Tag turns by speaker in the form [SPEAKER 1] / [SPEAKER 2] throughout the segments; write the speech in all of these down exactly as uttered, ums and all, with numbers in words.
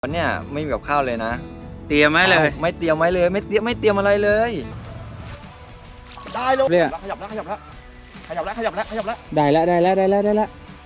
[SPEAKER 1] วันเนี้ยไม่มีกับข้าวเลยนะ
[SPEAKER 2] เตรียมไหมเลย
[SPEAKER 1] ไม่เตรียมไว้เลยไม่เตรียมไม่เตรียมอะไรเลย
[SPEAKER 3] ได้แล้วขยับแล้วขยับแล้วขยับแล้วขยับแล้วขยับแล้ว
[SPEAKER 2] ได้แล้วได้แล้วได้แล้วได้แล้ว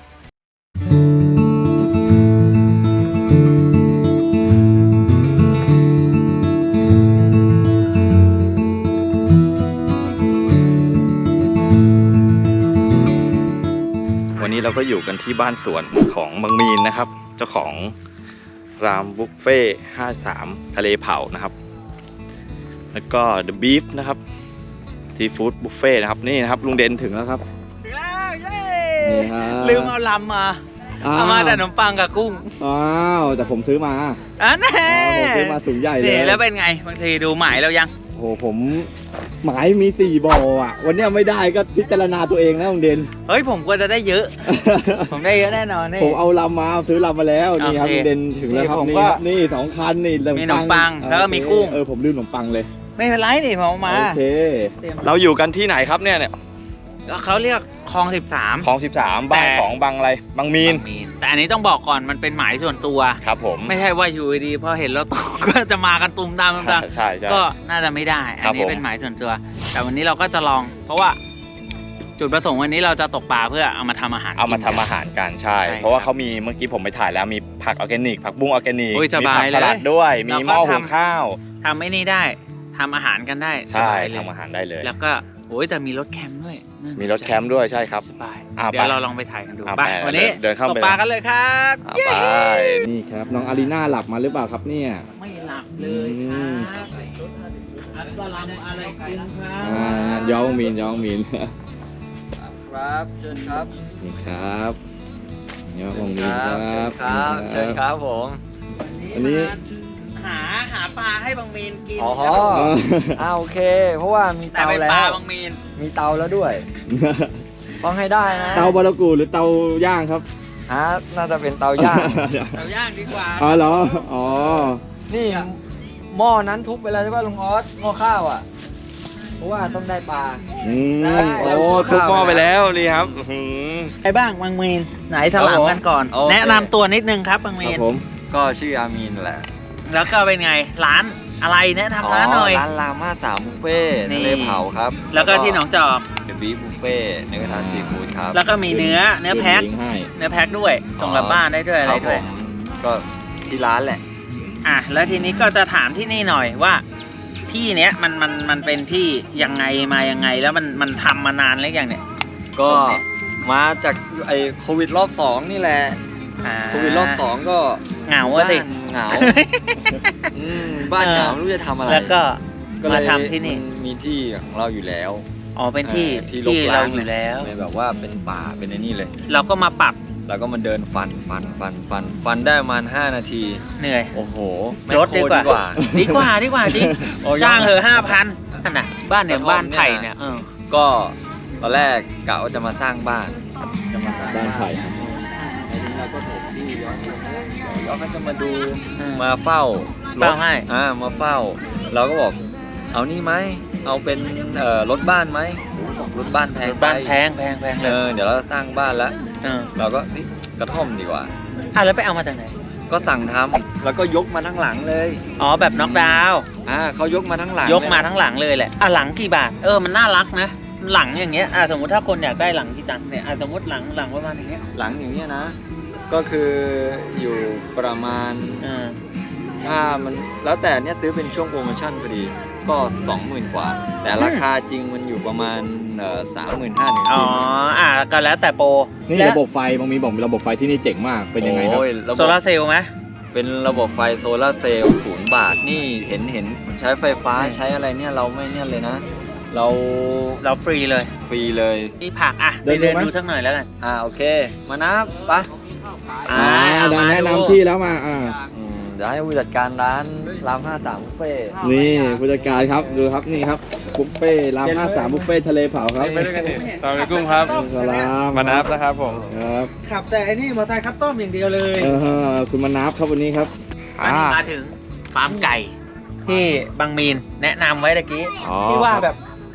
[SPEAKER 4] วันนี้เราก็อยู่กันที่บ้านสวนของบังมีนนะครับเจ้าของรามบุฟเฟ่ห้าสามทะเลเผานะครับแล้วก็ The Beef นะครับซีฟู้ดบุฟเฟ่นะครับนี่นะครับลุงเด่นถึงแล้วครับ
[SPEAKER 2] ถึงแล้วเย้ลืมเอาลำมาเอามาแต่ขนมปังกับกุ้ง
[SPEAKER 3] อ้าวแต่ผมซื้อมา
[SPEAKER 2] อันนี้
[SPEAKER 3] ผมซื้อมาถุงใหญ่เลย
[SPEAKER 2] แล้วเป็นไงบางทีดูหมายเรายัง
[SPEAKER 3] โอ้ผมหมายมีสี่บ่ออ่ะวันนี้ไม่ได้ก็พิจารณาตัวเองนะลุงเด่น
[SPEAKER 2] เฮ้ยผมควรจะได้เยอะผมได้เยอะแน่นอนนี่
[SPEAKER 3] ผมเอาลำมาซื้อลำมาแล้วนี่ครับลุงเด่นถึงแล้วครับนี่ครับนี่สองคันนี่
[SPEAKER 2] มีขนมปังแล้วก็มีกุ้ง
[SPEAKER 3] เออผมลืมขนมปังเลย
[SPEAKER 2] ไม่เป็นไรนี่ผมมา
[SPEAKER 3] โอเค
[SPEAKER 4] เราอยู่กันที่ไหนครับเนี่ยเนี่ย
[SPEAKER 2] เขาเรียกคลองสิบสาม
[SPEAKER 4] คลองสิบสามบ้านของบางอะไรบางมีน
[SPEAKER 2] แต่อันนี้ต้องบอกก่อนมันเป็นหมายส่วนตัว
[SPEAKER 4] ครับผม
[SPEAKER 2] ไม่ใช่ว่าอยู่ดีพอเห็นรถก็จะมากันตุมตามตุมตาม
[SPEAKER 4] ใช่
[SPEAKER 2] ก็น่าจะไม่ได้อันนี้เป็นหมายส่วนตัวแต่วันนี้เราก็จะลองเพราะว่าจุดประสงค์วันนี้เราจะตกปลาเพื่อเอามาทำอาหาร
[SPEAKER 4] เอามาทำอาหารกันใช่เพราะว่าเขามีเมื่อกี้ผมไปถ่ายแล้วมีผักออร์แกนิกผักบุ้งออร์แกนิกมีผักสลัดด้วยมีหม้อหุงข้าว
[SPEAKER 2] ทำไอ้นี่ได้ทำอาหารกันได้
[SPEAKER 4] ใช่ทำอาหารได้เลย
[SPEAKER 2] แล้วก็โอ้ยแต่มีรถแคมป์ด้วย
[SPEAKER 4] มีรถแคมป์ด้วยใช่ครับ
[SPEAKER 2] สบายเดี๋ยวเราลองไปถ่ายกันดูไปวันนี้
[SPEAKER 4] เดินเข้า
[SPEAKER 2] ไปตกปลากันเลยครับ
[SPEAKER 4] ไป
[SPEAKER 3] นี่ครับน้องอารีน่าหลับมาหรือเปล่าครับเนี่ย
[SPEAKER 2] ไม่หลับเลยครับอัสสลามุอะลัยกุมครับ
[SPEAKER 3] ย้องมีนย้องมีน
[SPEAKER 1] ครับเชิญครับ
[SPEAKER 3] นี่ครับย้องมีนครับ
[SPEAKER 1] เชิญครับผม
[SPEAKER 2] อันนี้หาหาปลาให้บางมีนกิน
[SPEAKER 1] อ๋ออ่าโอเคเพราะว่ามีเตาแล้ว
[SPEAKER 2] ปลาบางมีน
[SPEAKER 1] มีเตาแล้วด้วยต้องให้ได้นะ
[SPEAKER 3] เตาบารากูหรือเตาย่างครับ
[SPEAKER 1] ฮะน่าจะเป็นเตาย่าง
[SPEAKER 2] เตาย่างดีกว่า
[SPEAKER 3] อ๋อเหรออ๋อ
[SPEAKER 1] นี่หม้อนั้นทุบไปแล้วใช่ป่ะลุงออสหม้อข้าวอ่ะเพราะว่าต้องได้ปลา
[SPEAKER 3] อืม
[SPEAKER 4] โอ้ทุบหม้อไปแล้วนี่ครับ
[SPEAKER 2] ใครบ้างบางมีนไหนถลำกันก่อนแนะนำตัวนิดนึงครับบางมีน
[SPEAKER 1] ผมก็ชื่ออามีนแหละ
[SPEAKER 2] แล้วก็เป็นไงร้านอะไรแนะนำร้านหน่อย
[SPEAKER 1] ร้านราม่าสามบุฟเฟ่ทะเลเผาครับ
[SPEAKER 2] แล้วก็ที่หนองจอก
[SPEAKER 1] เดอะบีฟบุฟเฟ่เนื้อกระทะซีฟู้ดครับ
[SPEAKER 2] แล้วก็มีเนื้อเนื้อแพ็คเนื้อแพ็คด้วยส่งกลับบ้านได้ด้วยอะไรด้วย
[SPEAKER 1] ก็ที่ร้านแหละ
[SPEAKER 2] อ่ะแล้วทีนี้ก็จะถามที่นี่หน่อยว่าที่เนี้ยมันมันมันเป็นที่ยังไงมายังไงแล้วมันมันทำมานานแล้วยังเนี่ย
[SPEAKER 1] ก็มาจากไอ้โควิดรอบสองนี่แหละโควิดรอบสองก็
[SPEAKER 2] เหงาอะสิ
[SPEAKER 1] เหงาบ้านเหงาไม่รู้จะทำอะไร
[SPEAKER 2] แล้วก็มาทำที่นี่
[SPEAKER 1] มีที่ของเราอยู่แล้ว
[SPEAKER 2] อ๋อเป็นที่ที่เราอยู่แล้ว
[SPEAKER 1] แบบว่าเป็นป่าเป็นไอ้นี่เลย
[SPEAKER 2] เราก็มาปรับ
[SPEAKER 1] แล้วก็มาเดินฟันฟันฟันฟันฟันได้ประมาณห้านาที
[SPEAKER 2] เหนื่อย
[SPEAKER 1] โอ้โห
[SPEAKER 2] รถดีกว่าดีกว่าดีกว่าจริงจ้างเหอะห้าพันนั่นน่ะบ้านเนี่ยบ้านไผ่เนี่ย
[SPEAKER 1] ก็ตอนแรกกะว่าจะมาสร้างบ้าน
[SPEAKER 3] จะมาสร้างบ้านไผ่ครับ
[SPEAKER 1] เราก็ถมที่ย้อนย้อนก็จะมาดูมาเฝ้า
[SPEAKER 2] เฝ้าให้
[SPEAKER 1] อ่ามาเฝ้าเราก็บอกเอานี่ไหมเอาเป็นเอ่อรถบ้านไหมรถบ้านแพง
[SPEAKER 2] บ้านแพงแพงแพงเลย
[SPEAKER 1] เออเดี๋ยวเราสร้างบ้านแล้วเราก็กระท่อมดีกว่า
[SPEAKER 2] อ่ะแล้วไปเอามาจากไหน
[SPEAKER 1] ก็สั่งทำแล้วก็ยกมาทั้งหลังเลย
[SPEAKER 2] อ๋อแบบน็อกดาวน์
[SPEAKER 1] อ่าเขายกมาทั้งหลัง
[SPEAKER 2] ยกมาทั้งหลังเลยแหละอ่ะหลังกี่บาทเออมันน่ารักนะหลังอย่างเงี้ยอ่ะสมมติถ้าคนอยากได้หลังที่ตังเนี่ยอ่ะสมมติหลังหลังประมาณอย่างเงี้ย
[SPEAKER 1] หลังอย่างเงี้ยนะก็คืออยู่ประมาณถ้ามันแล้วแต่เนี้ยซื้อเป็นช่วงโปรโมชั่นพอดีก็สองหมื่นกว่าแต่ราคาจริงมันอยู่ประมาณสามหมื่นห้าถึงสี่หมื่น
[SPEAKER 2] อ๋ออ่ะก็แล้วแต่โปร
[SPEAKER 3] นี่ระบบไฟบางมีบอกระบบไฟที่นี่เจ๋งมากเป็นยังไงครับ
[SPEAKER 2] โซลาเซลล์ไหม
[SPEAKER 1] เป็นระบบไฟโซลาเซลล์ศูนย์บาทนี่เห็นเห็นใช้ไฟฟ้าใช้อะไรเนี่ยเราไม่เนี่ยเลยนะเรา
[SPEAKER 2] เราฟรีเลย
[SPEAKER 1] ฟรีเลย
[SPEAKER 2] นี่ผักอ่ะไปเดินดูสักหน่อยแล้วกัน
[SPEAKER 1] อ่าโอเคมานะปะ
[SPEAKER 3] อ่าแนะนำที่แล้วมาอ่า
[SPEAKER 1] เดี๋ยวให้ผู้จัดการร้านรามห้าสามบุฟเฟ่
[SPEAKER 3] นี่ผู้จัดการครับดูครับนี่ครับบุฟเฟ่รามห้าสามบุฟเฟ่ทะเลเผาครับ
[SPEAKER 4] ไปด้วยกันดิสวัสดีกุ้งครับ
[SPEAKER 3] สลาม
[SPEAKER 4] มานับนะครับผม
[SPEAKER 3] ครับ
[SPEAKER 2] ขับแต่อันนี้มอเตอร์ไซค์คัสตอมอย่างเดียวเลย
[SPEAKER 3] เออคุณมานับครับวันนี้ครับ
[SPEAKER 2] วันนี้มาถึงฟาร์มไก่ที่บางมีนแนะนำไว้ตะกี้ที่ว่าแบบ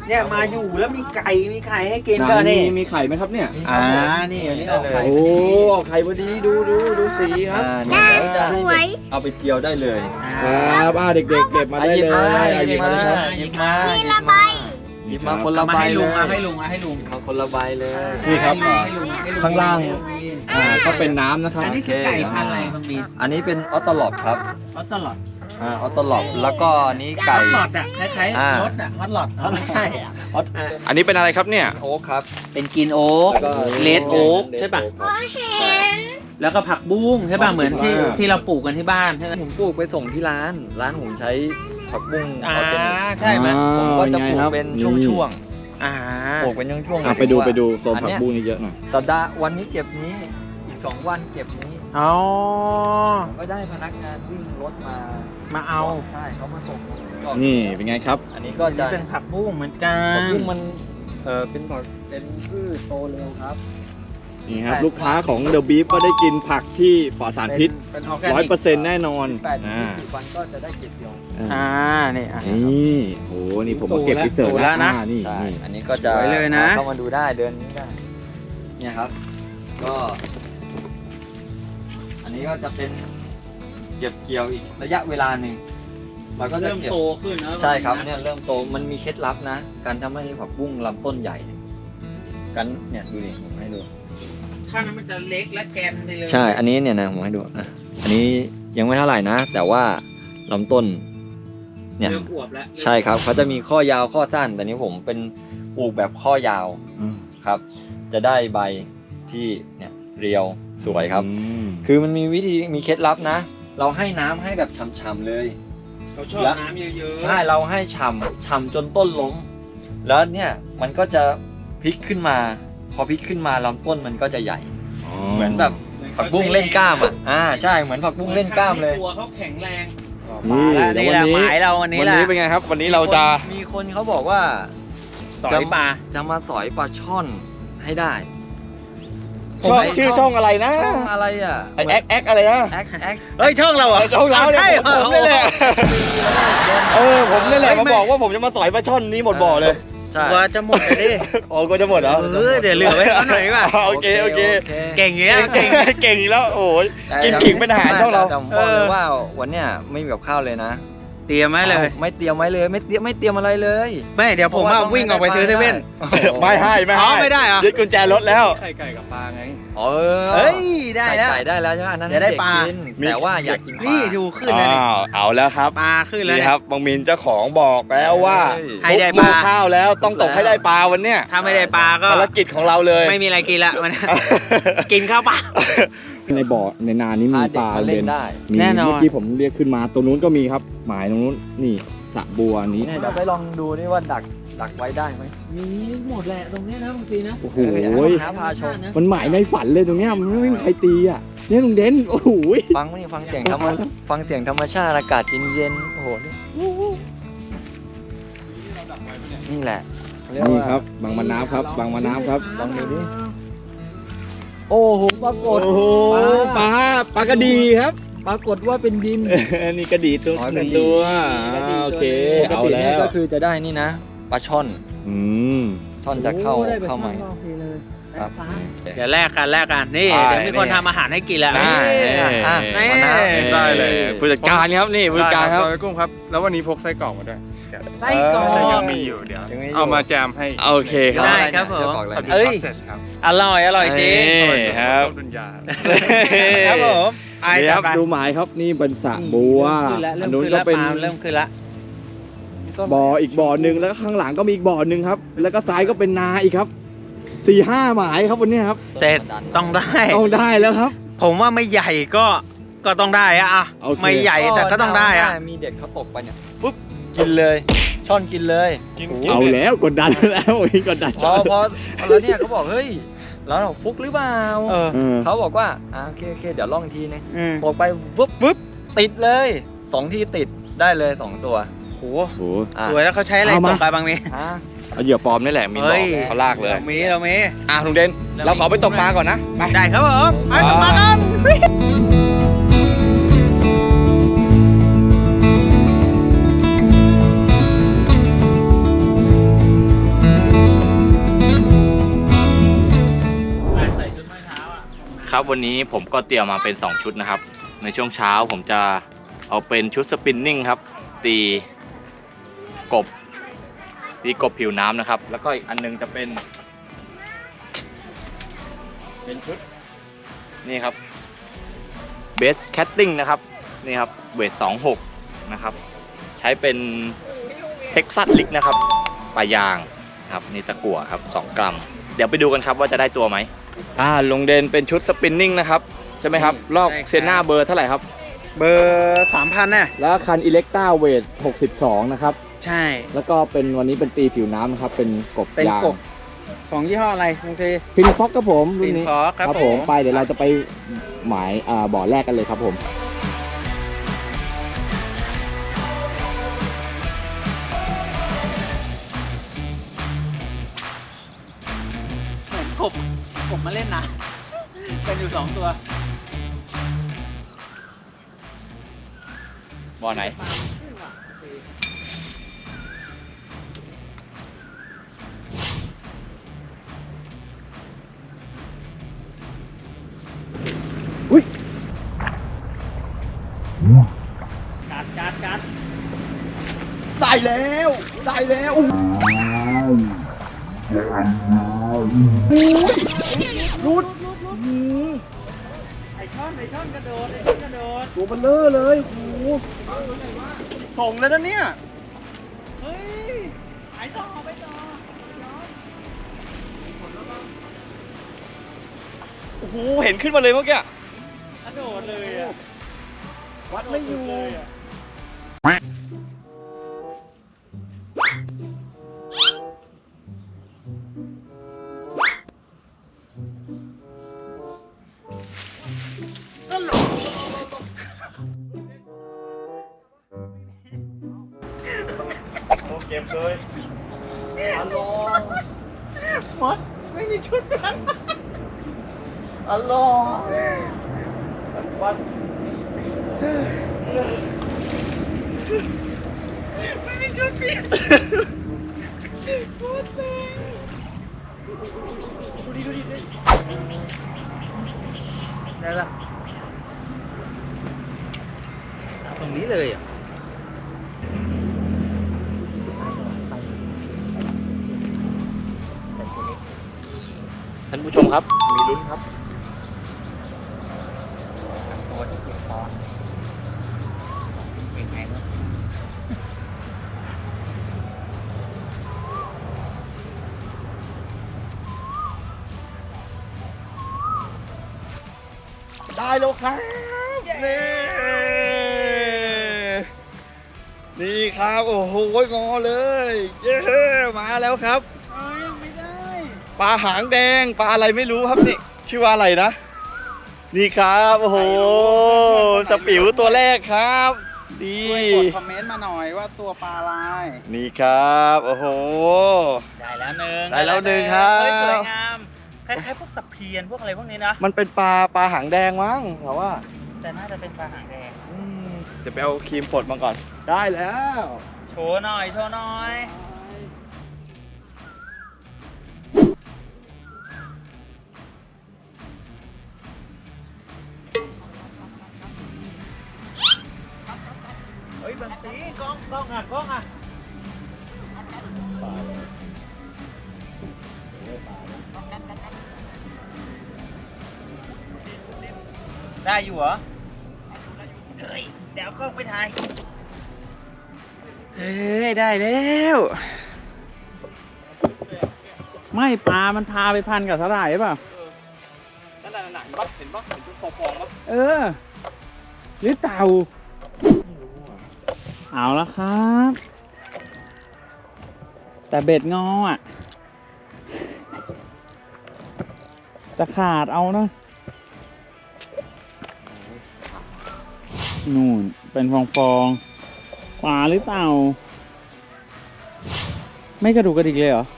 [SPEAKER 2] เนี่ยมาอยู่แล้วมีไก่มีไข่ให้กินก็
[SPEAKER 3] นี่
[SPEAKER 2] นี่
[SPEAKER 3] มีไข่ไหมครับเนี่ย
[SPEAKER 2] อ่านี่อันนี้เอาไข่
[SPEAKER 3] โอ้เอาไข่พอดีดูดูดูสีครับ
[SPEAKER 1] อ่าเนี่ยเดี๋ยวจะให้เอาไปเจียวได้เลย
[SPEAKER 3] ครับอ่าเด็กๆเก็บมาได้เลยอ่ะหยิบมาเลยครับ
[SPEAKER 1] หยิบมาหยิบมาหยิบมาคนละ
[SPEAKER 2] มา
[SPEAKER 1] ใบ
[SPEAKER 2] ให้
[SPEAKER 1] เล
[SPEAKER 2] ลุง
[SPEAKER 1] ย
[SPEAKER 2] มาให้ลุงมาให้ลุง
[SPEAKER 1] มาคนละใบเลย
[SPEAKER 3] นี่ครับ
[SPEAKER 2] ให้ลุงให้ลุ
[SPEAKER 3] ข้างล่าง อ่าก็เป็นน้ำนะครับ
[SPEAKER 2] อันนี้คือไก่พันธุ์อะไรบางมี
[SPEAKER 1] อันนี้เป็นออตโตลอบครับ
[SPEAKER 2] ฮอตตลอด
[SPEAKER 1] อ่าออตโตลอบแล้วก็อันนี้
[SPEAKER 2] ฮ
[SPEAKER 1] ไก่
[SPEAKER 2] อตหลอดอ่ะคล้าย
[SPEAKER 1] อ่า
[SPEAKER 2] ๆรถอ่ะฮอตหลอดไม่ใช่อ่ะ
[SPEAKER 1] ออต
[SPEAKER 4] อันนี้เป็นอะไรครับเนี่ย
[SPEAKER 1] โอ๊คครับ
[SPEAKER 2] เป็นกินโอ๊ก
[SPEAKER 1] แล้วก็
[SPEAKER 2] เลดโอ๊กใช่ป่ะ
[SPEAKER 1] ใช่
[SPEAKER 2] แล้วก็ผักบุ้งใช่ป่ะ
[SPEAKER 3] ผักบุ้ง
[SPEAKER 2] เหมือนที่
[SPEAKER 3] อ่า
[SPEAKER 2] ที่เราปลูกกันที่บ้านใช่ไหม
[SPEAKER 1] ผมปลูกไปส่งที่ร้าน ร้านผมใช้ผักบุ้ง
[SPEAKER 2] อ่า
[SPEAKER 1] เอาเป็น
[SPEAKER 2] ใช่ไหม
[SPEAKER 1] ผมก็จะปลูกเป็นช่วง
[SPEAKER 2] อ่า
[SPEAKER 1] ๆปลูกเป็นช่วงๆ
[SPEAKER 3] อ่ะไปดูไปดูโซน
[SPEAKER 1] อัน
[SPEAKER 3] ผัก
[SPEAKER 1] เนี้ย
[SPEAKER 3] บุ้งนี่เยอะหน่อย
[SPEAKER 1] สัปดาห์วันนี้เก็บนี้อีกสองวันเก็บนี้
[SPEAKER 2] อ๋อ
[SPEAKER 1] ผมก็ได้พนักงานวิ่งรถมา
[SPEAKER 2] มาเอา
[SPEAKER 1] ใช่เขามาส่งก็
[SPEAKER 3] นี่เป็นไงครับ
[SPEAKER 1] อันนี้ก็
[SPEAKER 2] อัน
[SPEAKER 1] จะ
[SPEAKER 2] นี้เป็นผักบุ้งเหมือนกั
[SPEAKER 1] ผัก
[SPEAKER 2] น
[SPEAKER 1] บุ้งมันเออเป็นผักเป็นพืชโตเร็วครับ
[SPEAKER 3] นี่ครับลูกค้าของ The Beef ก็ได้กินผักที่ปลอดสารพิษ
[SPEAKER 2] เป็นออร์แก
[SPEAKER 3] ร้อย
[SPEAKER 2] นิก
[SPEAKER 3] เปอร์เซ็นต์แน่นอน
[SPEAKER 1] แปดถึง
[SPEAKER 3] อ่า
[SPEAKER 1] ยี่สิบวันก็จะได้เก็บเกี่ยว
[SPEAKER 2] อ่านี่อ่ะ
[SPEAKER 3] นี่โหนี่ผมมาเก็บพิเศษ
[SPEAKER 2] โตแล้วนะ
[SPEAKER 3] อ่านี่
[SPEAKER 1] ใช่
[SPEAKER 3] นี่
[SPEAKER 1] อันนี้ก็จะ
[SPEAKER 2] สวยเลยนะ
[SPEAKER 1] เข้ามาดูได้เดินนี้ได้เนี่ยครับ ก็ อันนี้ก็จะเป็นเก็บเกี่ยวอีกระยะเวลาหนึ่งเราก็จะ
[SPEAKER 2] เริ่ม
[SPEAKER 1] เก็บ
[SPEAKER 2] โตขึ้นนะ
[SPEAKER 1] ใช่ครับเนี่ยเริ่มโตมันมีเคล็ดลับนะ การทำให้ผักบุ้งลำต้นใหญ่กันเนี่ยดูดิผมให้ดู
[SPEAKER 2] ถ้านั้นมันจะเล็กและแกนไปเลย
[SPEAKER 1] ใช่ อันนี้เนี่ยนะผมให้ดูอ่ะอันนี้ยังไม่เท่าไหร่นะ แต่ว่าลำต้น เนี่ย
[SPEAKER 2] เริ่มอวบแล้ว
[SPEAKER 1] ใช่ครับเขาจะมีข้อยาวข้อสั้น แต่นี้ผมเป็นปลูกแบบข้อยาว
[SPEAKER 3] อืม
[SPEAKER 1] ครับ จะได้ใบที่เนี่ยเรียวสวยครับ
[SPEAKER 3] อืม
[SPEAKER 1] คือมันมีวิธีมีเคล็ดลับนะ เราให้น้ำให้แบบฉ่ำๆเลย
[SPEAKER 2] เขาชอบ
[SPEAKER 1] แล้ว
[SPEAKER 2] น้ำเยอะๆ
[SPEAKER 1] ใช่เราให้ฉ่ำฉ่ำจนต้นล้ม แล้วเนี่ยมันก็จะพลิกขึ้นมา พอพลิกขึ้นมาลำต้นมันก็จะใหญ่ เหมือนแบบผักบุ้งเล่นกล้ามอ่ะอ่าใช่เหมือนผักบุ้งเล่นกล้ามเลย
[SPEAKER 2] ตัวเขาแข็งแรง
[SPEAKER 3] นี่
[SPEAKER 2] แล้ว
[SPEAKER 3] เดี๋ยว
[SPEAKER 2] นี่
[SPEAKER 3] วั
[SPEAKER 2] แห
[SPEAKER 3] น
[SPEAKER 2] ละ
[SPEAKER 3] นี้
[SPEAKER 2] หมายเราวันนี้
[SPEAKER 4] วัน
[SPEAKER 2] แหละ
[SPEAKER 4] นี้เป็นไงครับ วันนี้เราจะ
[SPEAKER 1] มีคนเขาบอกว่า
[SPEAKER 2] สอยปลา
[SPEAKER 1] จะมาสอยปลาช่อนให้ได้
[SPEAKER 4] ช่องชื่อช่องอะไรนะ
[SPEAKER 1] ช่องอะไรอ่ะ
[SPEAKER 4] ไอแอคแอคอะไรนะ
[SPEAKER 1] แอคแอค
[SPEAKER 2] เฮ้ยช่องเราเหรอ
[SPEAKER 4] ช่องเราเนี่ย
[SPEAKER 2] ใช่
[SPEAKER 4] ผมผมนี่แหละเออผมนี่แหละมาบอกว่าผมจะมาสอยปลาช่อนนี้หมดบ่อเลย
[SPEAKER 1] ใช่
[SPEAKER 2] กลัว่าจะหมดเลยดิ
[SPEAKER 4] โอ้ก็จะหมดแล้ว
[SPEAKER 2] เออเดี๋ยวเหลือไว้เขาหน่อยดีกว่า
[SPEAKER 4] โอเคโอเค
[SPEAKER 2] เก่งอย่างเงี้ย
[SPEAKER 4] เก่
[SPEAKER 2] เก่
[SPEAKER 4] ง
[SPEAKER 2] ง
[SPEAKER 4] เก่งอีกแล้วโอ้ย
[SPEAKER 1] แต่
[SPEAKER 4] กินขิงเป็นอาหารช่องเรา
[SPEAKER 1] แต่ผมบอกเลยว่าวันเนี้ยไม่มีกับข้าวเลยนะ
[SPEAKER 2] เตรียมไว้เลย
[SPEAKER 1] ไม่เตรียมไว้เลยไม่เตรียมไม่เตรียมอะไรเลย
[SPEAKER 2] ไม่เดี๋ยวผมว่าวิ่งออกไปซื้อเซเว่น
[SPEAKER 4] ไม่ให้ไม่
[SPEAKER 2] อ๋
[SPEAKER 4] ให้
[SPEAKER 2] อไม่ได้เหรอ
[SPEAKER 4] ยึดกุญแจรถแล้ว
[SPEAKER 3] ไข่ไก่กับปลาไง
[SPEAKER 1] เออ
[SPEAKER 2] เฮ้ยได้แล้ว
[SPEAKER 1] ไก่ได้แล้วใช่ไหมอันนั้น
[SPEAKER 2] จะได้ปลา
[SPEAKER 1] ให้เกกินแต่ว่าอยากกินปลา
[SPEAKER 2] นี่ดูขึ้นแล้วนี่
[SPEAKER 4] อ้าวเอาแล้วครับ
[SPEAKER 2] ปลาขึ้นแล้ว
[SPEAKER 4] นี่
[SPEAKER 2] เนี่ย
[SPEAKER 4] ครับบางมินเจ้าของบอกแล้วว่า
[SPEAKER 2] ให้ได้ปลา
[SPEAKER 4] ทุกข้าวแล้วต้องตกให้ได้ปลาวันเนี้ย
[SPEAKER 2] ถ้าไม่ได้ปลาก็
[SPEAKER 4] ภารกิจของเราเลย
[SPEAKER 2] ไม่มีอะไรกินละมัน กินข้าวเปล่า
[SPEAKER 3] ในบ่อในนานี้มี
[SPEAKER 1] พาเด็
[SPEAKER 3] ป
[SPEAKER 1] ก
[SPEAKER 3] ลา
[SPEAKER 1] มาเล่นได้
[SPEAKER 3] มี
[SPEAKER 2] แน่นอน
[SPEAKER 3] เมื่อกี้ผมเรียกขึ้นมาตรงนู้นก็มีครับ หมายตรงนู้นนี่สระบัวนี้
[SPEAKER 1] เนี่ยเดี๋ยวไปลองดูนี่ว่าดักดักไว้ได้ไหม
[SPEAKER 2] มีหมดแหละตรงนี้นะบางทีนะ
[SPEAKER 3] โอ้โห
[SPEAKER 1] หาพาชม
[SPEAKER 3] มันหมายในฝันเลยตรงเนี้ยมันไม่มีใครตีอ่ะเนี่ยลุงเด่นโอ้โห
[SPEAKER 1] ฟังนี่ฟังเสียงธรรมฟังเสียงธรรมชาติอากาศเย็นๆโอ้โหนี่นี่แหละเยก
[SPEAKER 3] นี่
[SPEAKER 1] ว่า
[SPEAKER 3] ครับบางมะนาวครับบางมะนาวครับ
[SPEAKER 1] ลองดูดิ โอ้โหปรากฏ
[SPEAKER 3] โอ้โหปลาปลากระดีครับ
[SPEAKER 1] ปรากฏว่าเป็นดิน
[SPEAKER 3] นี่กระดีตัว
[SPEAKER 1] อ๋อ
[SPEAKER 3] หนึ่ง
[SPEAKER 1] กระดี
[SPEAKER 3] ตัว
[SPEAKER 1] กระดี
[SPEAKER 3] อ่าโอเค
[SPEAKER 1] ปก
[SPEAKER 3] เอา
[SPEAKER 1] ติ
[SPEAKER 3] แล้
[SPEAKER 1] เนี่ยว ก็คือจะได้นี่นะปลาช่อน
[SPEAKER 3] อืม
[SPEAKER 1] ช่อนจะเข้าเข้ามาครับ
[SPEAKER 2] เดี๋ยวแลกกันแลกกันนี่
[SPEAKER 4] ได้
[SPEAKER 2] เดี๋ยวมีคนทำอาหารให้กินแล้ว
[SPEAKER 1] ได้
[SPEAKER 2] นี่
[SPEAKER 1] อ่ะ
[SPEAKER 2] นี่
[SPEAKER 1] มะนาว
[SPEAKER 4] ได้เลยผู้จัดการครับนี่ผู้จัดการครับ
[SPEAKER 5] ได้กุ้งครับ แล้ววันนี้พกไส้กรอกมาด้วย
[SPEAKER 2] ไส้กรอก
[SPEAKER 5] แต่ยังมีอยู่เดี๋ยว
[SPEAKER 1] ยังมีอยู่
[SPEAKER 5] เอามาแจมให้
[SPEAKER 4] โอเคครับ
[SPEAKER 2] ได้ครับผม
[SPEAKER 1] เดี๋ยวบอกเลย
[SPEAKER 5] เอาดู
[SPEAKER 1] นะ
[SPEAKER 2] เอ้ย
[SPEAKER 5] process ครับ
[SPEAKER 2] อร่อยอร่อยจริง
[SPEAKER 4] นี่ครับ
[SPEAKER 5] ต้นดุนยา
[SPEAKER 2] ครับผมไอ้
[SPEAKER 3] นี่
[SPEAKER 2] จั
[SPEAKER 3] ค
[SPEAKER 2] บ
[SPEAKER 3] รับ
[SPEAKER 2] ไป
[SPEAKER 3] ดูหมายครับนี่เป็นสระบัว
[SPEAKER 2] ขึ้นแล้ว
[SPEAKER 3] อั
[SPEAKER 2] เริ่
[SPEAKER 3] น
[SPEAKER 2] ม
[SPEAKER 3] นู้น
[SPEAKER 2] ขึ้น
[SPEAKER 3] ก็
[SPEAKER 2] แล้ว
[SPEAKER 3] เป็น
[SPEAKER 2] ปลาเริ่มขึ้นแล้ว
[SPEAKER 3] บ่ออีกบ่อหนึ่งแล้วก็ข้างหลังก็มีอีกบ่อหนึ่งครับ แล้วก็ซ้ายก็เป็นนาอีกครับสี่ห้าหมายครับวันนี้ครับ
[SPEAKER 2] เสร็จต้องได้
[SPEAKER 3] ต้องได้แล้วครับ
[SPEAKER 2] ผมว่าไม่ใหญ่ก็ก็ต้องได้อะอ่ะ
[SPEAKER 3] โอเค
[SPEAKER 2] ไม่ใหญ่แต่ก็ต้องได้อะ
[SPEAKER 1] มีเด็กเขาตกไปเนี่ยปุ๊บกินเลยช่อนกินเลย
[SPEAKER 5] กิน
[SPEAKER 3] เอาแล้วกดดันแล้วโอ้ยกดดัน
[SPEAKER 1] พอพอแล้วเนี่ยเขาบอกเฮ้ยแล้วเราฟุกหรือเปล่า
[SPEAKER 2] เออ
[SPEAKER 3] เออ
[SPEAKER 1] เขาบอกว่าอ่าโอเคโอเคเดี๋ยวลองอีกทีนึง
[SPEAKER 2] อืม
[SPEAKER 1] ตกไปปุ๊บปุ๊บติดเลยสองทีติดได้เลยสองตัว
[SPEAKER 2] โห
[SPEAKER 3] โอ้โห
[SPEAKER 1] อ่ะ
[SPEAKER 2] สวยแล้วเขาใช้อะไร
[SPEAKER 3] เอา
[SPEAKER 2] ต
[SPEAKER 3] มา
[SPEAKER 2] กไปบางมี
[SPEAKER 1] อ่ะ
[SPEAKER 4] เอาเหยื่อปลอมนี่แหละมีบ
[SPEAKER 2] เฮ้
[SPEAKER 4] อก
[SPEAKER 2] ย
[SPEAKER 4] เขาลากเลย
[SPEAKER 2] เรามีเรามี
[SPEAKER 4] อ่ะลุงเด่นเราขอไปตกปลาก่อนนะไป
[SPEAKER 2] ได้ครับผมไปตกปลากัน
[SPEAKER 4] ครับวันนี้ผมก็เตรียมมาเป็นสองชุดนะครับในช่วงเช้าผมจะเอาเป็นชุดสปินนิ่งครับตีกบตีกบผิวน้ำนะครับแล้วก็อีกอันนึงจะเป็นเป็นชุดนี่ครับเบสแคตติ้งนะครับนี่ครับเวทสองหกนะครับใช้เป็นเท็กซัสลิกนะครับปลายางครับนี่ตะกั่วครับสองกรัมเดี๋ยวไปดูกันครับว่าจะได้ตัวไหมอ่าลงเดนเป็นชุดสปินนิ่งนะครับใช่ไหมครับลอกเซน่าเบอร์เท่าไหร่ครับ
[SPEAKER 2] เบอร์สามพันน่ะ
[SPEAKER 3] แล้วคันอิเล็กต้าเวทหกสิบสองนะครับ
[SPEAKER 2] ใช่
[SPEAKER 3] แล้วก็เป็นวันนี้เป็นตีผิวน้ำนะครับเป็นกบ
[SPEAKER 2] เป็น
[SPEAKER 3] ยาง
[SPEAKER 2] กบของยี่ห้ออะไรบางที
[SPEAKER 3] ฟินฟ็อกครับผมรุ่นนี้
[SPEAKER 2] Finfox ครับ
[SPEAKER 3] ผม
[SPEAKER 2] ผม
[SPEAKER 3] ไปเดี๋ยวเราจะไปหมายอ่าบ่อแรกกันเลยครับผม
[SPEAKER 2] เหมือนกบกบมาเล่นนะเป็นอยู่สองตัว
[SPEAKER 4] บ่อไหนอุ้ย
[SPEAKER 2] กัดกัดกัด
[SPEAKER 3] ได้แล้วได้แล้วอุ้ยรุด
[SPEAKER 2] ไอช่อนไอช่อนกระโดดไอช่อนกระโดด
[SPEAKER 3] ตัวเบลเลอร์เลยโอ้โหส่งแล้วนะเนี่ย
[SPEAKER 2] เฮ้ยไปต่อไปต่อ
[SPEAKER 4] โอ้โหเห็นขึ้นมาเลยเมื่อกี้
[SPEAKER 2] กระโดดเลยอ่ะ
[SPEAKER 3] วัดไม่อยู่
[SPEAKER 2] เลยอ่ะ
[SPEAKER 4] โอเก็บเลย
[SPEAKER 3] อัลลอฮ์
[SPEAKER 2] มดไม่มีชุดกัน
[SPEAKER 3] อัลลอฮ์วัด
[SPEAKER 2] ไม่มีชุดเปลี่ยนโคตรเซ็งดูดิดูดิดูดิได้ละตรงนี้เลยอ่ะ
[SPEAKER 4] ท่านผู้ชมครับมีลุ้นครับ
[SPEAKER 2] ตัวที่เก็บตอนเป็นไงบ้าง
[SPEAKER 3] ได้แล้วครับนี่นี่ครับโอ้โหงอเลยเย้มาแล้วครับ
[SPEAKER 2] เอ้ยไม่ได้
[SPEAKER 3] ปลาหางแดงปลาอะไรไม่รู้ครับนี่ชื่อว่าอะไรนะ นี่ครับโอ้โหสปิวตัวแรกครับดี
[SPEAKER 2] ช่วยกดคอมเมนต์มาหน่อยว่าตัวปลาอะไร
[SPEAKER 3] นี่ครับโอ้โห
[SPEAKER 2] ได้แล้วหนึ่ง
[SPEAKER 3] ได้แล้วหนึ่งครับ
[SPEAKER 2] เฮ้ยสวยงามคล้ายๆพวกตะเพียนพวกอะไรพวกนี้นะ
[SPEAKER 3] มันเป็นปลาปลาหางแดงมั้งแต่ว่า
[SPEAKER 2] แต่น่าจะเป็นปลาหางแดง
[SPEAKER 3] อืมจะไปเอาครีมผดมาก่อนได้แล้ว
[SPEAKER 2] โชว์หน่อยโชว์หน่อยเฮ้ยบังสีกล้องกล้องอ่ะกล้องอ่ะได้อยู่เหรอเฮ้ยเดี๋ยวกล้องไปถ่ายเฮ้ยได้แล้ว ไม่ปลามันพาไปพันกับสาหร่ายป่ะ
[SPEAKER 4] นั่นน่ะนั่นน่ะเห็นปะเห็นปะเห็นชุดฟองๆปะ
[SPEAKER 2] เออหรือเต่าเอาละครับ แต่เบ็ดงออ่ะ จะขาดเอานะนู่นเป็นฟองฟองๆปลาหรือเต่า ไม่กระดูกกระดิกเลยเหรอ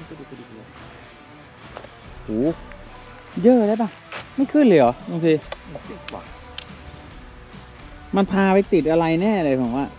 [SPEAKER 2] โหเยอะได้ปะไม่ขึ้นเลยเหรอบางทีมันพาไปติดอะไรแน่เลยผมว่า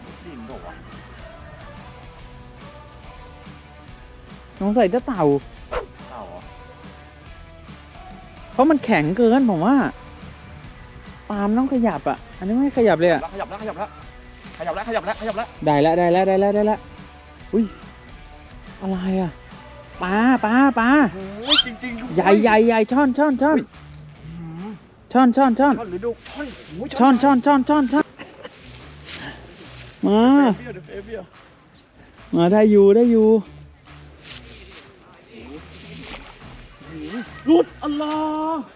[SPEAKER 2] สงสัยจะเต่า
[SPEAKER 4] เต่าเหรอ
[SPEAKER 2] เพราะมันแข็งเกินผมว่าปาล์มต้องขยับอ่ะ อันนี้ไม่ขยับเลยอ่ะ
[SPEAKER 3] ขยับแล้วขยับแล้วขยับแล้วขยับแล้วขยับแล้ว
[SPEAKER 2] ได้แล้วได้แล้วได้แล้วได้แล้วอุ้ยอะไรอ่ะปลาปลาปลา
[SPEAKER 3] โอ้ยจริงๆ
[SPEAKER 2] ใหญ่ใหญ่ใหญ่ช่อนช่อนช่อนช่อนช่อนช่อน
[SPEAKER 3] ช่อนหรือดูช่อนโอ้ย
[SPEAKER 2] ช่อนช่อนช่อนช่อนช่อนมา
[SPEAKER 3] เบี้ยวเดี๋ยวเฟเบี้ยว
[SPEAKER 2] มาได้อยู่ได้อยู่
[SPEAKER 3] หลุดอัลลอฮ์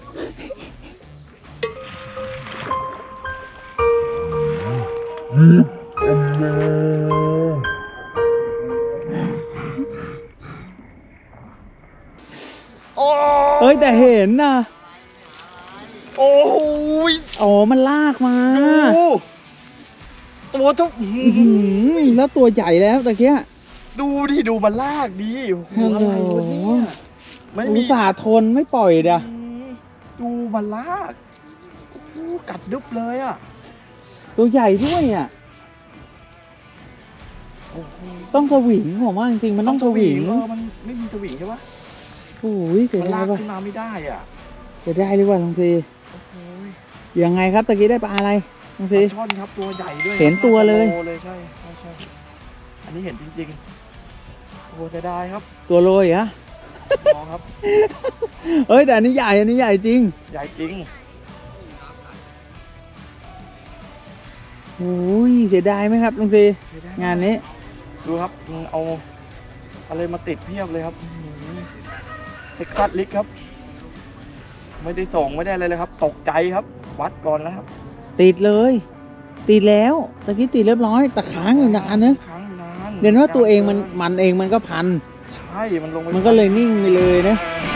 [SPEAKER 3] โอ้
[SPEAKER 2] เอ้ยแต่เห็นนะ
[SPEAKER 3] โอ้ย
[SPEAKER 2] อ๋อมันลากมา
[SPEAKER 3] ดูตัวทุก
[SPEAKER 2] อื้อหือแล้วตัวใหญ่แล้วตะเกีย
[SPEAKER 3] ดูดิดูมันลากดิโอ้โหอะไรวะเนี่ยไม่
[SPEAKER 2] อุ
[SPEAKER 3] มี
[SPEAKER 2] ตส่าห์ทนไม่ปล่อยเดีย
[SPEAKER 3] ดูมันลากโอ้โหกัดดึบเลยอ่ะ
[SPEAKER 2] ตัวใหญ่ด้วยอ่ะ
[SPEAKER 3] โอ้โห
[SPEAKER 2] ต้องสวิงผมว่าจริงๆมันต้องสวิง
[SPEAKER 3] เออมันไม่มีสวิงใช่ปะ
[SPEAKER 2] โอ้ยเสีย
[SPEAKER 3] มัน
[SPEAKER 2] ดา
[SPEAKER 3] ลาย ก
[SPEAKER 2] ว่ะ
[SPEAKER 3] ขึ้นมาไม่ได้อ่ะ
[SPEAKER 2] เสียดายเลยว่ะลุงซี
[SPEAKER 3] โอ้โห
[SPEAKER 2] ยังไงครับตะกี้ได้ปลาอะไรลุง
[SPEAKER 3] ป
[SPEAKER 2] ซี
[SPEAKER 3] ลาช่อนครับตัวใหญ่ด้วย
[SPEAKER 2] เห็นตัวเลย
[SPEAKER 3] โเลยใช่ใช่ใช่อันนี้เห็นจริงๆโอ้โหเสียดายครับ
[SPEAKER 2] ตัวโรยเหรอ่ะ
[SPEAKER 3] มองครับ
[SPEAKER 2] เอ้ยแต่อันนี้ใหญ่อันนี้ใหญ่จริง
[SPEAKER 3] ใหญ่จริง
[SPEAKER 2] โอ้ยเสียดายไหมครับลุงซี
[SPEAKER 3] เสียดย
[SPEAKER 2] งานนี้
[SPEAKER 3] ดูครับมันเอาอะไรมาติดเพียบเลยครับเท็กซัสลิกครับ ไม่ได้ส่งไม่ได้อะไรเลยครับ ตกใจครับ วัดก่อนนะครับ
[SPEAKER 2] ติดเลย ติดแล้วตะกี้ติดเรียบร้อยแต่ค้างอยู่นานนะ
[SPEAKER 3] ค้างอยู่นาน
[SPEAKER 2] เดี๋ยวว่าตัวเองมันมันเองมันก็พัน
[SPEAKER 3] ใช่มันลงไป
[SPEAKER 2] มันก็เลยนิ่งไปเลยนะ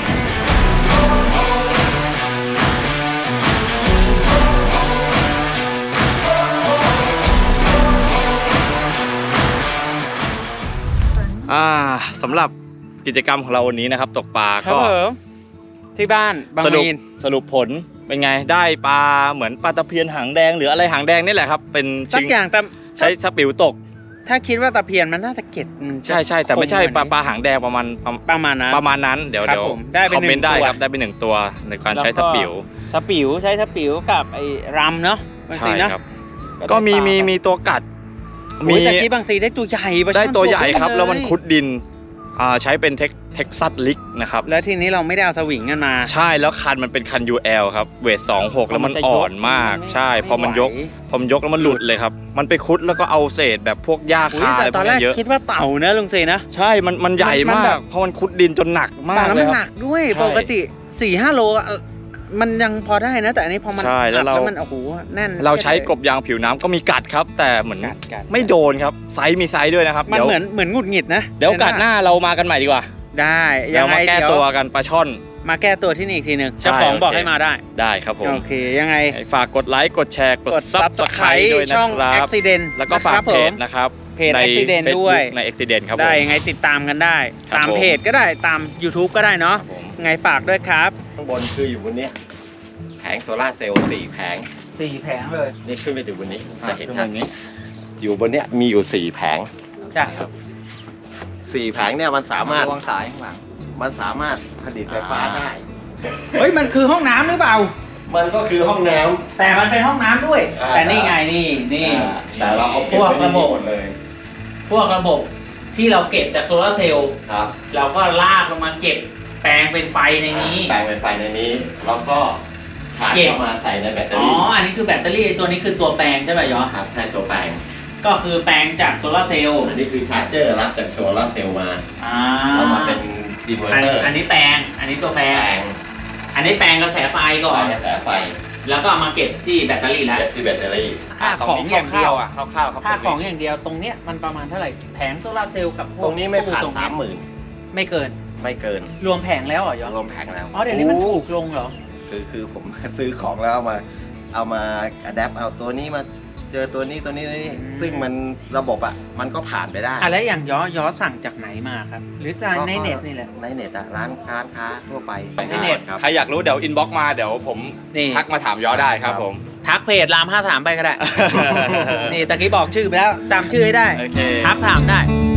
[SPEAKER 4] อ่าสำหรับกิจกรรมของเราวันนี้นะครับ ตกปลาก็
[SPEAKER 2] ที่บ้านบาง
[SPEAKER 4] สรุป
[SPEAKER 2] มีน
[SPEAKER 4] สรุปผลเป็นไงได้ปลาเหมือนปลาตะเพียนหางแดงหรืออะไรหางแดงนี่แหละครับ เป็น
[SPEAKER 2] สักอย่างแต่
[SPEAKER 4] ใช้สปิวตก
[SPEAKER 2] ถ้าคิดว่าตะเพียนมันน่าจะเก็ดมันจะ
[SPEAKER 4] ใช่ใช่แต่ไม่ใช่
[SPEAKER 2] คงก
[SPEAKER 4] ปลา
[SPEAKER 2] ว่านี้
[SPEAKER 4] ปลาหางแดงประมาณประ
[SPEAKER 2] ประมาณนั้น
[SPEAKER 4] ประมาณนั้นเดี๋ยว
[SPEAKER 2] ครับ
[SPEAKER 4] เดี๋ยว
[SPEAKER 2] ผมได้เป็น
[SPEAKER 4] คอมเมนต์
[SPEAKER 2] หนึ่ง
[SPEAKER 4] ได้
[SPEAKER 2] ตัว
[SPEAKER 4] ครับได้เป็นหนึ่งตัวในการใช้
[SPEAKER 2] แล้ว
[SPEAKER 4] ส
[SPEAKER 2] ก็
[SPEAKER 4] ปิว
[SPEAKER 2] สปิวใช้สปิวกับไอ้รำเนาะบาง
[SPEAKER 4] ใช่
[SPEAKER 2] ซีนะ
[SPEAKER 4] ครับ ก็มีมีมีตัวกัด
[SPEAKER 2] มี
[SPEAKER 4] มี
[SPEAKER 2] แต่ที่บางซีได้ตัวใหญ่ปลาช่อน
[SPEAKER 4] ได้ตัวใหญ่ครับ
[SPEAKER 2] เย
[SPEAKER 4] แล้วมันคุดดินอ่าใช้เป็นเท็กเท็กซัสลิกนะครับ
[SPEAKER 2] แล้วทีนี้เราไม่ได้เอาสวิงกันมา
[SPEAKER 4] ใช่แล้วคันมันเป็นคัน ยู แอล ครับเวทสองหกแล้วมัน
[SPEAKER 2] จะย
[SPEAKER 4] อ่อนมาก
[SPEAKER 2] ไ
[SPEAKER 4] ใช่พอมันยก
[SPEAKER 2] ไหว
[SPEAKER 4] พอมันยกแล้วมันหลุดเลยครับ มันไปคุดแล้วก็เอาเศษแบบพวกหญ้า
[SPEAKER 2] อุ๊ย
[SPEAKER 4] คาอะไร
[SPEAKER 2] แต่
[SPEAKER 4] พ
[SPEAKER 2] ต
[SPEAKER 4] ว
[SPEAKER 2] อก นแร
[SPEAKER 4] นี้
[SPEAKER 2] ก
[SPEAKER 4] เยอะ
[SPEAKER 2] คิดว่าเต่านะลุงซีนะ
[SPEAKER 4] ใช่มันมันใหญ่
[SPEAKER 2] มัน
[SPEAKER 4] มา
[SPEAKER 2] แบ
[SPEAKER 4] ก
[SPEAKER 2] บ
[SPEAKER 4] เพราะมันคุดดินจนหนักมาก
[SPEAKER 2] แต่แล้ว
[SPEAKER 4] เล
[SPEAKER 2] มัน
[SPEAKER 4] ย
[SPEAKER 2] ห
[SPEAKER 4] ค
[SPEAKER 2] นั
[SPEAKER 4] รับ
[SPEAKER 2] กด้วย
[SPEAKER 4] ใช่
[SPEAKER 2] ปกติสี่ห้าโลอะมันยังพอได้นะ แต่อันนี้พอมัน
[SPEAKER 4] ใช่แล้วเรา
[SPEAKER 2] อัดมันโอ้โหแน่น
[SPEAKER 4] เราใช้กบยางผิวน้ำก็มีกัดครับ แต่เหมือน
[SPEAKER 2] กัดกัด
[SPEAKER 4] ไม่โดนครับไซส์มีไซส์ด้วยนะครับ
[SPEAKER 2] มัน
[SPEAKER 4] เดี๋ยว
[SPEAKER 2] เหมือนเหมือนหงุดหงิดนะ
[SPEAKER 4] เดี๋ยวโอกาสหน้าเรามากันใหม่ดีกว่า
[SPEAKER 2] ได้
[SPEAKER 4] เดี๋ยวมาแก้
[SPEAKER 2] เดี๋ย
[SPEAKER 4] ตัวกันปลาช่อน
[SPEAKER 2] มาแก้ตัวที่นี่อีกทีหนึ่ง
[SPEAKER 4] ใช่
[SPEAKER 2] เจ้าของบอก
[SPEAKER 4] โอเค
[SPEAKER 2] ให้มาได้
[SPEAKER 4] ได้ครับผม
[SPEAKER 2] โอเคยังไง
[SPEAKER 4] ฝากกดไลค์กดแชร์กด
[SPEAKER 2] กด
[SPEAKER 4] ซับสไคร
[SPEAKER 2] Subscribe
[SPEAKER 4] ต์ด้วยนะ
[SPEAKER 2] ช่อง
[SPEAKER 4] ครับ
[SPEAKER 2] Accident
[SPEAKER 4] แล้วก็ฝาก
[SPEAKER 2] นะครับ
[SPEAKER 4] เพ
[SPEAKER 2] ผม
[SPEAKER 4] จนะครับ
[SPEAKER 2] เพจ
[SPEAKER 4] ใน
[SPEAKER 2] Accident
[SPEAKER 4] Facebook
[SPEAKER 2] ด้วย
[SPEAKER 4] ใน Accident ครับผม
[SPEAKER 2] ได้ยังไงติดตามกันได้
[SPEAKER 4] ครับ
[SPEAKER 2] ตาม
[SPEAKER 4] ผม
[SPEAKER 2] เพจก็ได้ตาม YouTube ก็ได้เนาะ
[SPEAKER 4] ครับผม
[SPEAKER 2] ยังไงฝากด้วยครับ
[SPEAKER 1] ข้างบนคืออยู่บนเนี้ยแผงโซล่าร์เซลล์สี่แผง
[SPEAKER 2] สี่แผงเลย
[SPEAKER 1] นี่ขึ้นไปถึงบนนี้จะเห็น
[SPEAKER 4] ขึ้น
[SPEAKER 1] ชั
[SPEAKER 4] มา
[SPEAKER 1] ด
[SPEAKER 4] อย่างนี้
[SPEAKER 1] อยู่บนเนี้ยมีอยู่สี่แผง
[SPEAKER 2] จ้ะ
[SPEAKER 1] สี่แผงเนี่ยมันสามารถวางสายข้างหลังมันสามารถผลิตไฟฟ้าได้
[SPEAKER 2] เฮ้ยมันคือห้องน้ำหรือเปล่า
[SPEAKER 1] มันก็คือห้องน้ำ
[SPEAKER 2] แต่มันเป็นห้องน้ำด้วย
[SPEAKER 1] อ่า
[SPEAKER 2] แต่นี่ไงนี่นี่
[SPEAKER 1] แต่เราเอา
[SPEAKER 2] พวกระบบ
[SPEAKER 1] หมดเลย
[SPEAKER 2] พวกระบบที่เราเก็บจากโซลาร์เซลล์
[SPEAKER 1] ครับ
[SPEAKER 2] เราก็ลากลงมาเก็บแปลงเป็นไฟในนี้
[SPEAKER 1] แปลงเป็นไฟในนี้ แล้วก็ชาร์จ
[SPEAKER 2] เก็บ
[SPEAKER 1] เข้ามาใส่ในแบตเตอ
[SPEAKER 2] อ๋อ
[SPEAKER 1] รี่
[SPEAKER 2] อันนี้คือแบตเตอรี่ตัวนี้คือตัวแปลงใช่ไหมยอ
[SPEAKER 1] ครับใช่ตัวแปลง
[SPEAKER 2] ก็คือแปลงจากโซลาร์เซลล์
[SPEAKER 1] อันนี้คือชาร์จเจอร์รับจากโซลาร์เซลล์มา
[SPEAKER 2] อ่า
[SPEAKER 1] แล้วมาเป็นดีเวอ
[SPEAKER 2] อัน
[SPEAKER 1] ร์เตอร์
[SPEAKER 2] อันนี้แปลง อันนี้ตัวแปล
[SPEAKER 1] แปล
[SPEAKER 2] ง
[SPEAKER 1] ง
[SPEAKER 2] อันนี้แปลงกระแสไฟก่อน
[SPEAKER 1] กระแสไฟ
[SPEAKER 2] แล้วก็เอามาเก็บที่แบตเตอรี่แล้ว
[SPEAKER 1] เก็บที่แบตเตอรี่
[SPEAKER 2] ค่าของอย่างเดียว
[SPEAKER 4] อ่ะคร่าวๆครับ
[SPEAKER 2] ค่าของอย่างเดียวตรงเนี้ยมันประมาณเท่าไหร่ แผงโซลาร์เซลล์กับพวก
[SPEAKER 1] ตรงนี้ไม่ผ่าน
[SPEAKER 2] ตู้ตรง
[SPEAKER 1] สา
[SPEAKER 2] เนี้ย
[SPEAKER 1] มหมื่น
[SPEAKER 2] ไม่เกิน
[SPEAKER 1] ไม่เกิน
[SPEAKER 2] รวมแผงแล้วเหรอยอ
[SPEAKER 1] รวมแผงแล้ว
[SPEAKER 2] อ๋อเดี๋ยวนี้มันถูกลงเหรอ
[SPEAKER 1] คือคือผม ซื้อของแล้วเอามา เอามาอัดแอปเอาตัวนี้มาเจอตัวนี้ตัวนี้ตัวนี้
[SPEAKER 2] อืม
[SPEAKER 1] ซึ่งมันระบบอ่ะมันก็ผ่านไปได้
[SPEAKER 2] อ่ะแล้วอย่างยอยอสั่งจากไหนมาครับ หรือจากในเน็ตนี่แหละ
[SPEAKER 1] ในเน็ตอะร้านค้าค้าทั่วไป
[SPEAKER 2] ในเน็ต
[SPEAKER 1] ครับ
[SPEAKER 4] ใครอยากรู้เดี๋ยวอินบ็อกมาเดี๋ยวผม
[SPEAKER 2] นี่
[SPEAKER 4] ทักมาถามย้อได้ครับผม
[SPEAKER 2] ทักเพจรามห้าถามไปก็ได้ นี่ตะกี้บอกชื่อไปแล้วจำชื่อให้ได้
[SPEAKER 4] โอเค
[SPEAKER 2] ทักถามได้
[SPEAKER 1] ค